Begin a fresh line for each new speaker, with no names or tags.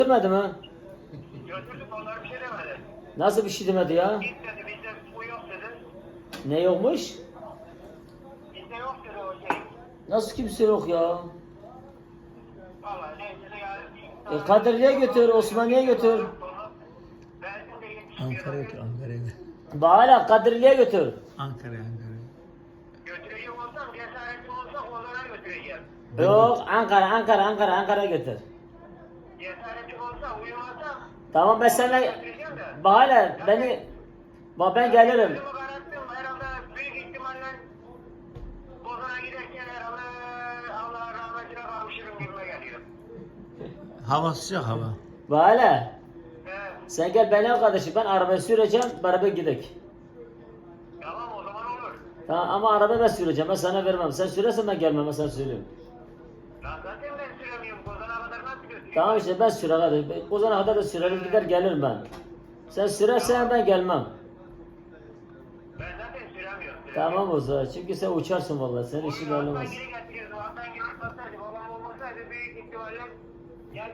Götürmedi mi?
Götürdük onlar bir şey demedi.
Nasıl bir şey demedi ya?
Git dedi bizde bu yok dedi.
Ne yokmuş?
Bizde yok dedi o şey.
Nasıl kimse yok ya?
Vallahi neyse ya.
Kadirli'ye götür, Osmaniye'ye götür.
Benzin de 70
Ankara'ya götür, Ankara'ya.
Bağla Kadirli'ye götür.
Ankara'ya.
götürecek olsam cesaretim olsa onlara götüreceğim.
Yok Ankara'ya götür.
Cesaretim olsa uyumazsam
Tamam ben seninle
götüreceğim de.
Bağla ben gelirim.
Gözümü kararttım herhalde büyük ihtimalle Bozan'a giderken herhalde Allah rahmetine kavuşurum gibime geliyor.
Hava sıcak hava.
Bağla
He.
sen gel benim kardeşim ben arabayı süreceğim beraber gidelim.
Tamam o zaman olur.
Tamam ama araba ben süreceğim ben sana vermem. Sen sürersen ben gelmem ben sana söyleyeyim.
Lan zaten ben süremiyorum. Bozan'a kadar nasıl götüreyim?
Tamam işte ben sürer hadi. O zamana kadar da sürerim gider gelirim ben. Sen sürersen ben gelmem.
Ben zaten süremiyorum.
Tamam o zaman çünkü sen uçarsın vallahi senin işin
Alttan
olmaz.
geri getiriyordu. Alttan geri atlasaydı. Babam olmasaydı büyük ihtimalle